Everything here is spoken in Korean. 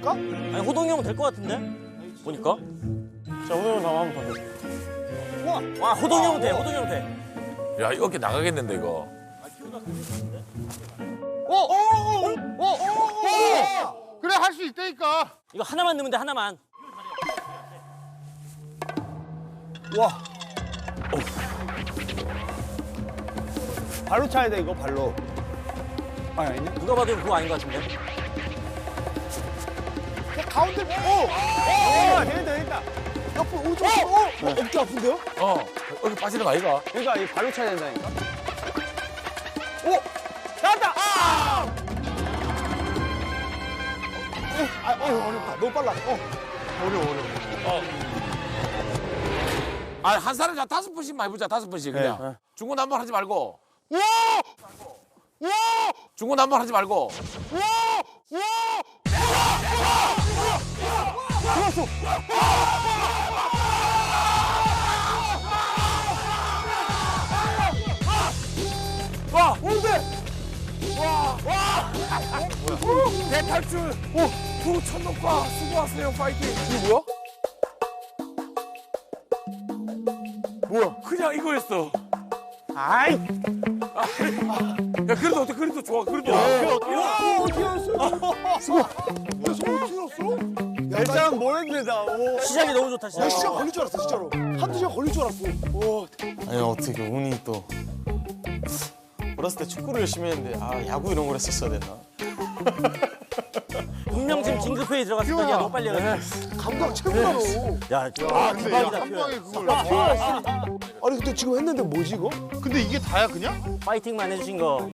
될까? 아니 호동이 형은 될 것 같은데? 보니까. 자, 호동이 형 한번 봐줘. 와 호동이 형은 돼. 호동이 형 돼. 야, 이거 어깨 나가겠는데, 이거. 그래, 할 수 있다니까. 이거 하나만 넣으면 돼 하나만. 와. 발로 차야 돼, 이거, 발로. 아니, 아니냐? 누가 봐도 그거 아닌 것 같은데? 가운데, 되겠다, 되겠다. 옆으로, 오른쪽, 어깨 아픈데요? 어깨 빠지는 거 아이가? 그러니까 이 발로 차야 된다니까. 오! 나왔다! 어렵다. 너무 빨라. 어려워. 아, 한 사람이 자 5번씩만 해보자, 5번씩 그냥. 중구난방 하지 말고. 와! 와! 중구난방 하지 말고. 들어왔어! 와! 오는데! 대탈출! 두 천독과 수고하세요, 파이팅! 이게 뭐야? 뭐야? 그냥 이거였어. 아이! 야, 그래도 어때? 그래도 좋아, 그래도. 와! 어떻게 알았어? 수고! 야, 저거 어떻게 알았어? 일단 뭘 했는데, 나. 시작이 너무 좋다 시작. 나 시간 걸릴 줄 알았어, 진짜로. 한두 시간 걸릴 줄 알았어. 아니 어떻게 운이 또 어렸을 때 축구를 열심히 했는데 아 야구 이런 걸 했었어야 됐나? 분명 지금 긴급회의 들어갔을 때 야 너무 빨리 해가지고. 감각 최고다, 너. 야 대박이다 표현. 아니, 근데 지금 했는데 뭐지, 이거? 근데 이게 다야 그냥? 파이팅만 해주신 거